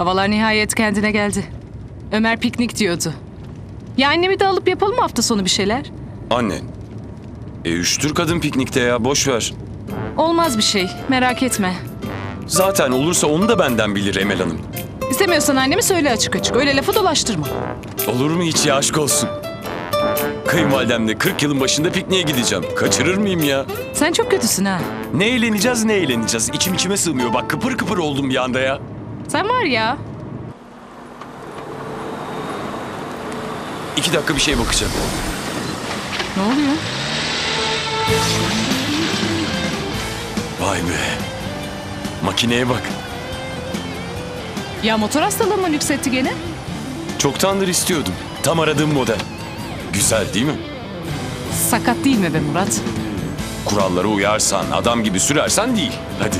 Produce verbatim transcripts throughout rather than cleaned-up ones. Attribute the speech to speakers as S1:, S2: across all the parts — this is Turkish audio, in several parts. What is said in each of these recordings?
S1: Havalar nihayet kendine geldi. Ömer piknik diyordu. Ya annemi de alıp yapalım mı hafta sonu bir şeyler?
S2: Annen. E üşütür kadın piknikte ya, boş ver.
S1: Olmaz bir şey, merak etme.
S2: Zaten olursa onu da benden bilir Emel Hanım.
S1: İstemiyorsan annemi söyle açık açık. Öyle lafı dolaştırma.
S2: Olur mu hiç ya, aşk olsun. Kayınvalidemle kırk yılın başında pikniğe gideceğim. Kaçırır mıyım ya?
S1: Sen çok kötüsün ha.
S2: Ne eğleneceğiz ne eğleneceğiz. İçim içime sığmıyor. Bak kıpır kıpır oldum bir anda ya.
S1: Sen var ya.
S2: İki dakika bir şeye bakacağım.
S1: Ne oluyor?
S2: Vay be. Makineye bak.
S1: Ya motor hastalığı mı yükseltti gene?
S2: Çoktandır istiyordum. Tam aradığım model. Güzel değil mi?
S1: Sakat değil mi be Murat?
S2: Kurallara uyarsan, adam gibi sürersen değil. Hadi.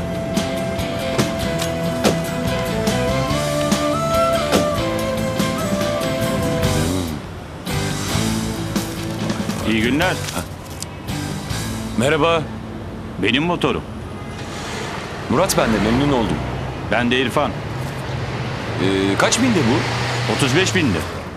S3: İyi günler.
S2: Merhaba.
S3: Benim motorum.
S2: Murat ben de, memnun oldum.
S3: Ben de İrfan.
S2: Ee, kaç binde bu?
S3: otuz beş bindi.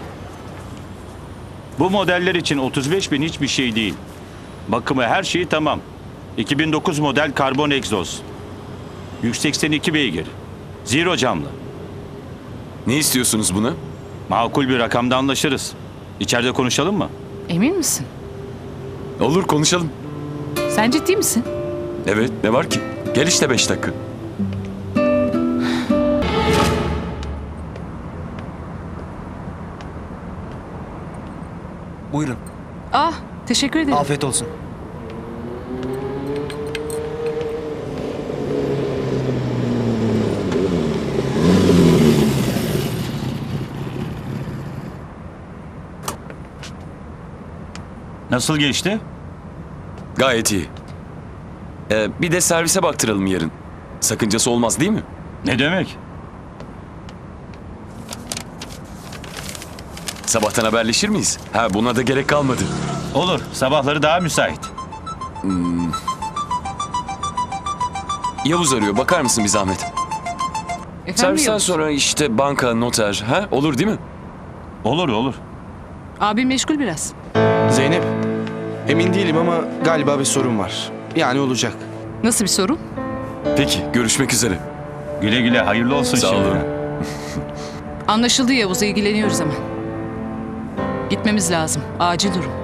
S3: Bu modeller için otuz beş bin hiçbir şey değil. Bakımı her şeyi tamam. iki bin dokuz model karbon egzoz. yüz seksen iki beygir. Zero camlı.
S2: Ne istiyorsunuz buna?
S3: Makul bir rakamda anlaşırız. İçeride konuşalım mı?
S1: Emin misin?
S2: Olur, konuşalım.
S1: Sen ciddi misin?
S2: Evet, ne var ki? Gel işte beş dakika.
S4: Buyurun.
S1: Ah, teşekkür ederim.
S4: Afiyet olsun.
S3: Nasıl geçti?
S2: Gayet iyi. Ee, bir de servise baktıralım yarın. Sakıncası olmaz değil mi?
S3: Ne demek?
S2: Sabahtan haberleşir miyiz? Ha, buna da gerek kalmadı.
S3: Olur. Sabahları daha müsait.
S2: Yavuz arıyor, bakar mısın bir zahmet?
S1: Efendim
S2: Servisten
S1: Yavuz?
S2: sonra işte banka, noter, ha? Olur değil mi?
S3: Olur olur.
S1: Abim meşgul biraz.
S4: Zeynep, emin değilim ama galiba bir sorun var. Yani olacak.
S1: Nasıl bir sorun?
S2: Peki, görüşmek üzere.
S3: Güle güle. Hayırlı olsun
S2: Sağ
S3: şimdi.
S2: olun.
S1: Anlaşıldı Yavuz, ilgileniyoruz hemen. Gitmemiz lazım. Acil durum.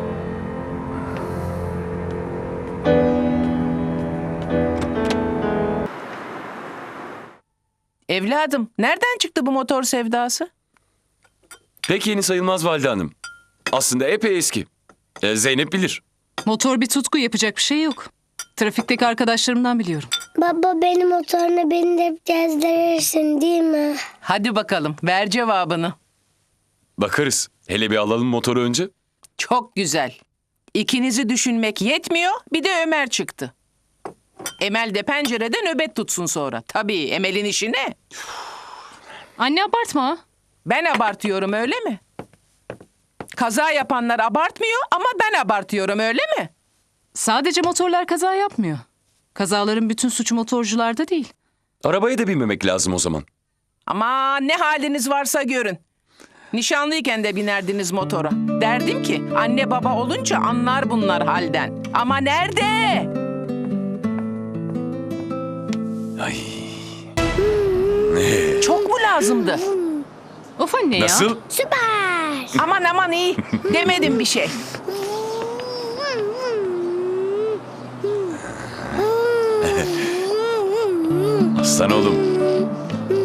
S5: Evladım, nereden çıktı bu motor sevdası?
S2: Pek yeni sayılmaz Valide Hanım. Aslında epey eski. Ee, Zeynep bilir.
S1: Motor bir tutku, yapacak bir şey yok. Trafikteki arkadaşlarımdan biliyorum.
S6: Baba benim motoruna beni de gezdirirsin değil mi?
S5: Hadi bakalım, ver cevabını.
S2: Bakarız. Hele bir alalım motoru önce.
S5: Çok güzel. İkinizi düşünmek yetmiyor, bir de Ömer çıktı. Emel de pencerede nöbet tutsun sonra. Tabii, Emel'in işi ne?
S1: Anne abartma ha.
S5: Ben abartıyorum, öyle mi? Kaza yapanlar abartmıyor ama ben abartıyorum, öyle mi?
S1: Sadece motorlar kaza yapmıyor. Kazaların bütün suçu motorcularda değil.
S2: Arabaya da binmemek lazım o zaman.
S5: Ama ne haliniz varsa görün. Nişanlıyken de binerdiniz motora. Derdim ki anne baba olunca anlar bunlar halden. Ama nerede?
S2: Ay. Ne?
S5: Çok mu lazımdı?
S1: Of anne ya.
S2: Nasıl?
S6: Süper.
S5: Aman aman iyi. Demedim bir şey.
S2: Aslan oğlum.